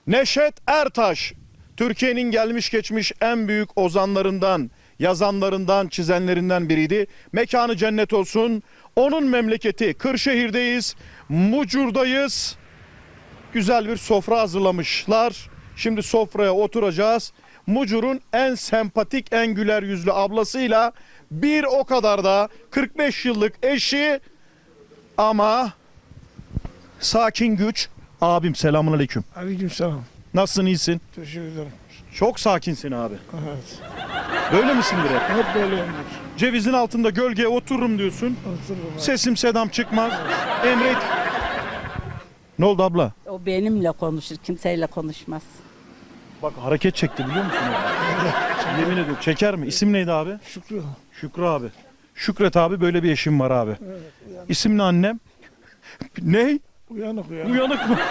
Neşet Ertaş, Türkiye'nin gelmiş geçmiş en büyük ozanlarından, yazanlarından, çizenlerinden biriydi. Mekanı cennet olsun. Onun memleketi Kırşehir'deyiz, Mucur'dayız. Güzel bir sofra hazırlamışlar. Şimdi sofraya oturacağız. Mucur'un en sempatik, en güler yüzlü ablasıyla bir o kadar da 45 yıllık eşi ama sakin güç. Abim selamünaleyküm. Aleykümselam. Nasılsın, iyisin? Teşekkür ederim. Çok sakinsin abi. Evet. Böyle misindir hep? Hep böyleyimdir. Cevizin altında gölgeye otururum diyorsun. Otururum. Sesim sedam çıkmaz. Emret. Ne oldu abla? O benimle konuşur, kimseyle konuşmaz. Bak hareket çekti biliyor musun? Yemin ediyorum çeker mi? İsim neydi abi? Şükrü. Şükrü abi. Şükret abi, böyle bir eşim var abi. Evet, uyanık. İsim ne annem? Ne? Uyanık uyanık. Uyanık mı?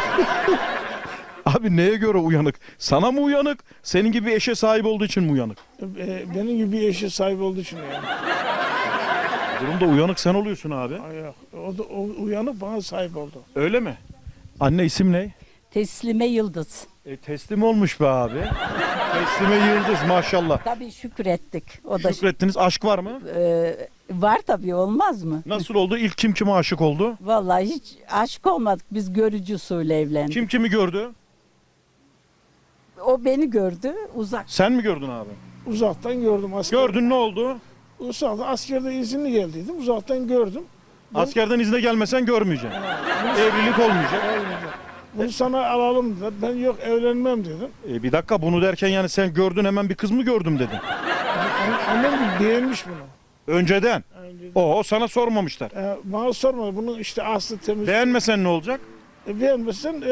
Abi neye göre uyanık? Sana mı uyanık? Senin gibi eşe sahip olduğu için mi uyanık? Benim gibi bir eşe sahip olduğu için yani. Durumda uyanık sen oluyorsun abi. Ay yok. O uyanık bana sahip oldu. Öyle mi? Anne isim ne? Teslime Yıldız. Teslim olmuş be abi. Teslime Yıldız maşallah. Tabii şükrettik. O da Şükrettiniz. Aşk var mı? var tabii, olmaz mı? Nasıl oldu? İlk kim kime aşık oldu? Vallahi hiç aşık olmadık. Biz görücü usulü evlendik. Kim kimi gördü? O beni gördü uzak. Sen mi gördün abi? Uzaktan gördüm asker. Gördün, ne oldu? Uzaktan askerde izinli geldiydim. Uzaktan gördüm. Askerden izne gelmesen görmeyeceksin. Evlilik olmayacak. Bunu sana alalım dediler. Ben yok evlenmem dedim. Bir dakika, bunu derken yani sen gördün hemen bir kız mı gördüm dedin. Annem de beğenmiş bunu. Önceden. Önce- O sana sormamışlar. Bana sormadı. Bunun işte aslı temiz. Beğenmesen ne olacak? Beğenmezsen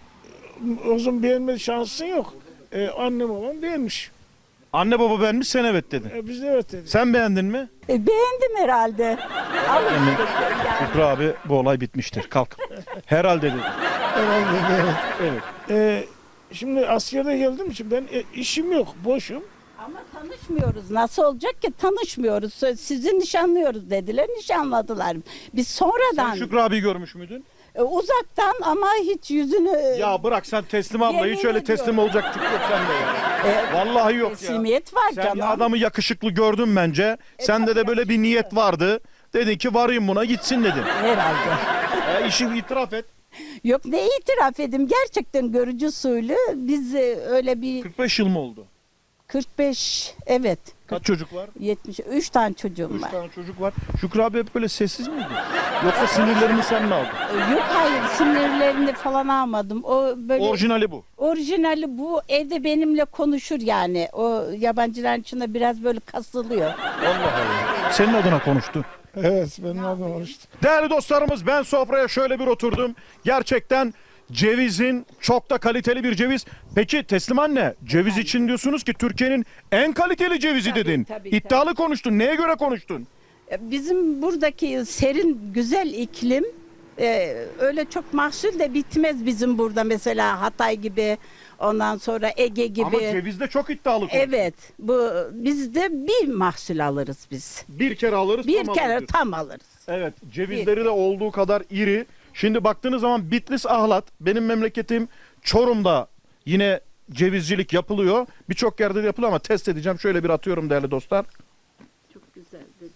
o zaman beğenme şansın yok. Annem babam beğenmiş. Anne baba beğenmiş, sen evet dedin. Biz de evet dedik. Sen beğendin mi? Beğendim herhalde. Alın işte, yani. Şükrü abi, bu olay bitmiştir. Kalk. Herhalde dedi. Herhalde evet. Evet. Şimdi askerde geldiğim için ben işim yok, boşum. Ama tanışmıyoruz. Nasıl olacak ki, tanışmıyoruz. Sizi nişanlıyoruz dediler, nişanladılar. Biz sonradan Sen Şükrü abi görmüş müydün? uzaktan ama hiç yüzünü Ya bırak sen Teslim abla, Yemin hiç öyle ediyorum. teslim olacak tip yok sende ya. Vallahi yok ya. teslimiyet var Sen canım. adamı yakışıklı gördün bence. Sende de böyle bir niyet vardı. Dedin ki varayım buna gitsin dedin. Herhalde. İşi itiraf et. Yok, ne itiraf edeyim, gerçekten görücü usulü. Biz öyle bir 45 yıl mı oldu? 45, evet, Kaç çocuk var? 73 tane çocuğum 3 var. tane çocuk var. Şükrü abi hep böyle sessiz miydi? Yoksa sinirlerini sen mi aldın? Yok, hayır, sinirlerini falan almadım. O böyle Orijinali bu. orijinali bu, evde benimle konuşur yani. O yabancıların içinde biraz böyle kasılıyor. Allah Allah. Senin adına konuştu. Evet, benim adım var işte. Değerli dostlarımız, ben sofraya şöyle bir oturdum. Gerçekten cevizin çok da kaliteli bir ceviz. Peki Teslim anne, ceviz için diyorsunuz ki Türkiye'nin en kaliteli cevizi Tabii, dedin. tabii, İddialı konuştun. Neye göre konuştun? Bizim buradaki serin, güzel iklim, öyle çok mahsul de bitmez bizim burada, mesela Hatay gibi, ondan sonra Ege gibi. Ama cevizde çok iddialı konuştun. Evet, bu bizde bir mahsul alırız biz. Bir kere alırız, Bir tam kere alırız. tam alırız. Evet, cevizleri de olduğu kadar iri. Şimdi baktığınız zaman Bitlis, Ahlat, benim memleketim Çorum'da yine cevizcilik yapılıyor. Birçok yerde de yapılıyor ama test edeceğim. Şöyle bir atıyorum değerli dostlar. Çok güzel dedi.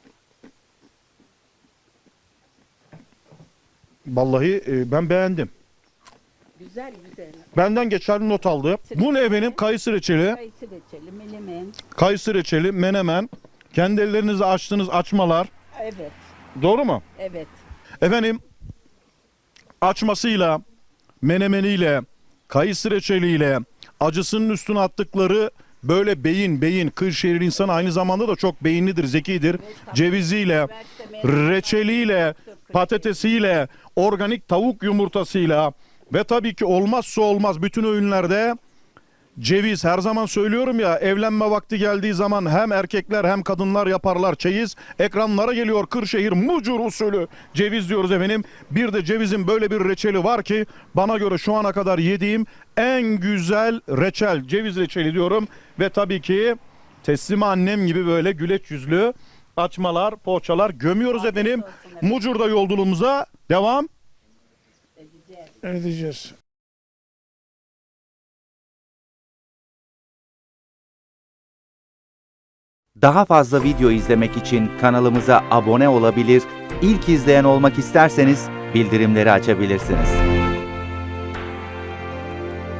Vallahi ben beğendim. Güzel güzel. Benden geçerli not aldı. Bu ne benim? Kayısı reçeli, Kayısı reçeli, menemen. kayısı reçeli, menemen. Kendi ellerinizle açtığınız açmalar. Evet, Doğru mu? evet. Efendim, açmasıyla, menemeniyle, kayısı reçeliyle, acısının üstüne attıkları böyle beyin, Kırşehir insanı aynı zamanda da çok beyinlidir, zekidir. Ceviziyle, reçeliyle, patatesiyle, organik tavuk yumurtasıyla ve tabii ki olmazsa olmaz bütün öğünlerde ceviz. Her zaman söylüyorum ya, evlenme vakti geldiği zaman hem erkekler hem kadınlar yaparlar çeyiz. Ekranlara geliyor Kırşehir Mucur usulü ceviz diyoruz efendim. Bir de cevizin böyle bir reçeli var ki bana göre şu ana kadar yediğim en güzel reçel. Ceviz reçeli diyorum ve tabii ki Teslime annem gibi böyle güleç yüzlü açmalar, poğaçalar gömüyoruz efendim. Mucur'da yolculuğumuza devam Edeceğiz. Daha fazla video izlemek için kanalımıza abone olabilir, ilk izleyen olmak isterseniz bildirimleri açabilirsiniz.